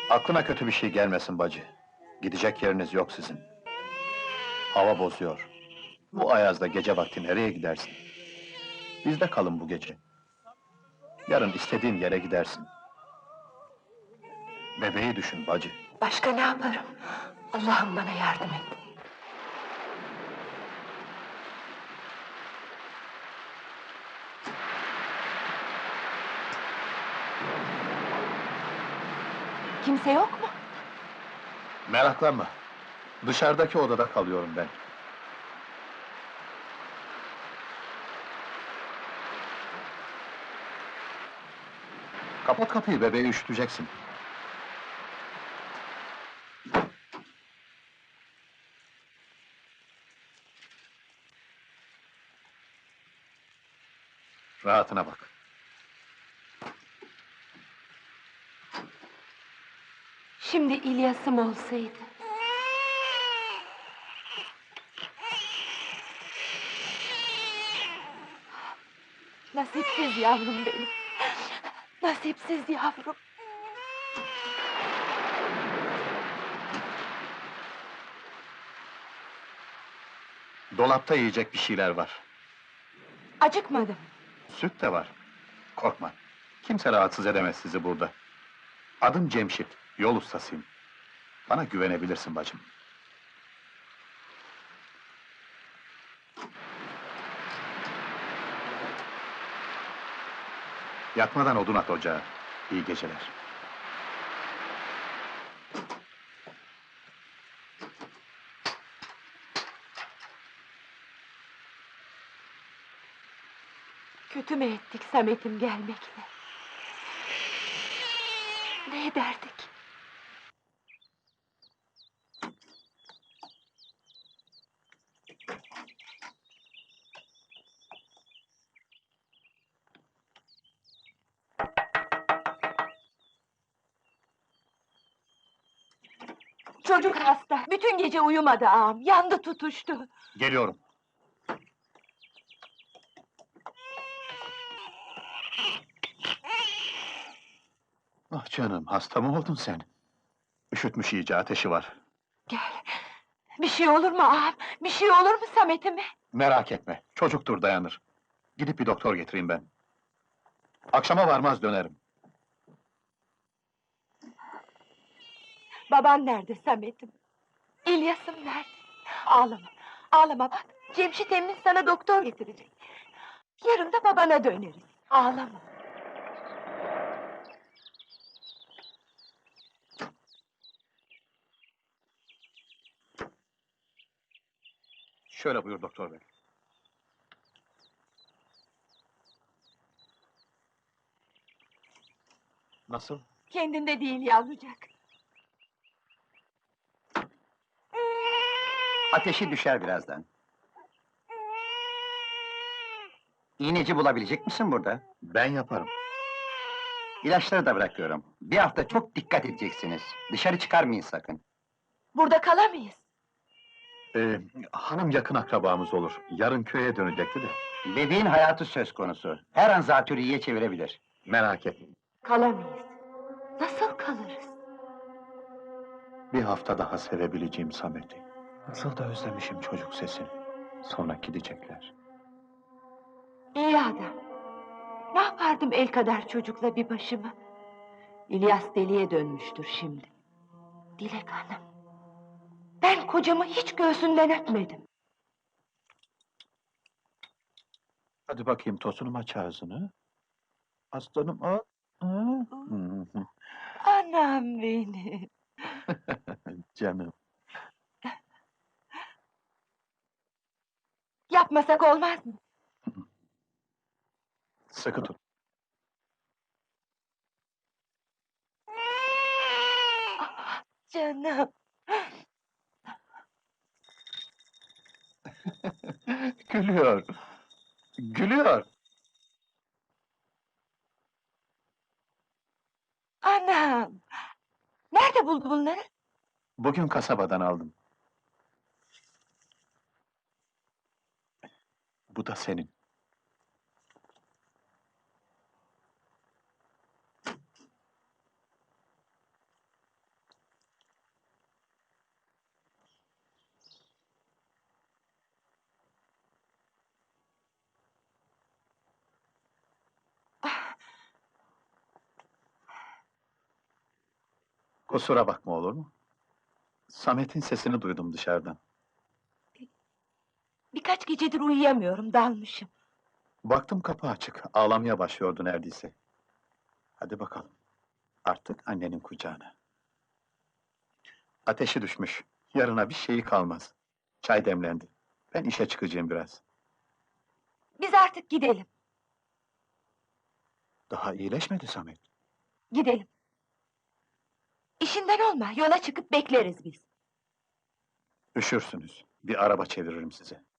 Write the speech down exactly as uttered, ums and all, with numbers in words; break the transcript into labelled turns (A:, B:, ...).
A: Aklına kötü bir şey gelmesin bacı. Gidecek yeriniz yok sizin. Hava bozuyor. Bu ayazda gece vakti nereye gidersin? Bizde kalın bu gece. Yarın istediğin yere gidersin. Bebeği düşün bacı.
B: Başka ne yaparım? Allah'ım bana yardım et. Kimse yok mu?
A: Meraklanma. Dışarıdaki odada kalıyorum ben. Kapat kapıyı, bebeği üşüteceksin. Rahatına bak.
B: Şimdi İlyas'ım olsaydı. Nasipsiz yavrum benim. Nasipsiz yavrum.
A: Dolapta yiyecek bir şeyler var.
B: Acıkmadım.
A: Süt de var. Korkma. Kimse rahatsız edemez sizi burada. Adım Cemşit, yol ustasıyım. Bana güvenebilirsin bacım. Yatmadan odun at ocağa. İyi geceler.
B: Kötü mü ettik Samet'im gelmekle? Ne ederdik? Çocuk hasta, bütün gece uyumadı ağam, yandı tutuştu.
A: Geliyorum. Ah canım, hasta mı oldun sen? Üşütmüş iyice, ateşi var.
B: Gel, bir şey olur mu ağam, bir şey olur mu Samet'ime?
A: Merak etme, çocuktur dayanır. Gidip bir doktor getireyim ben. Akşama varmaz dönerim.
B: Baban nerede Samet'im? İlyas'ım nerede? Ağlama, ağlama bak, Cemşit emmin sana doktor getirecek. Yarın da babana döneriz, ağlama.
A: Şöyle buyur doktor bey. Nasıl?
B: Kendinde değil yavrucak.
C: Ateşi düşer birazdan. İğneci bulabilecek misin burada?
A: Ben yaparım.
C: İlaçları da bırakıyorum. Bir hafta çok dikkat edeceksiniz. Dışarı çıkarmayın sakın.
B: Burada kalamayız.
A: Ee, hanım yakın akrabamız olur. Yarın köye dönecekti de.
C: Bebeğin hayatı söz konusu. Her an zatürreye çevirebilir.
A: Merak etme.
B: Kalamayız. Nasıl kalırız?
A: Bir hafta daha sevebileceğim Samet'i. Nasıl da özlemişim çocuk sesini. Sonra gidecekler.
B: İyi adam. Ne yapardım el kadar çocukla bir başıma? İlyas deliye dönmüştür şimdi. Dilek Hanım. Ben kocamı hiç göğsünden öpmedim.
A: Hadi bakayım tosunum, aç ağzını. Aslanım, al. Hı hı.
B: Anam benim.
A: Canım.
B: Yapmasak olmaz mı?
A: Sıkı tut.
B: Ah, canım.
A: Gülüyor. Gülüyor.
B: Anam. Nerede buldu bunları?
A: Bugün kasabadan aldım. Bu da senin. Kusura bakma olur mu? Samet'in sesini duydum dışarıdan.
B: Birkaç gecedir uyuyamıyorum, dalmışım.
A: Baktım kapı açık, ağlamaya başlıyordu neredeyse. Hadi bakalım, artık annenin kucağına. Ateşi düşmüş, yarına bir şeyi kalmaz. Çay demlendi, ben işe çıkacağım biraz.
B: Biz artık gidelim,
A: Daha iyileşmedi Samet.
B: gidelim. İşinden olma, yola çıkıp bekleriz biz.
A: Üşürsünüz, bir araba çeviririm size.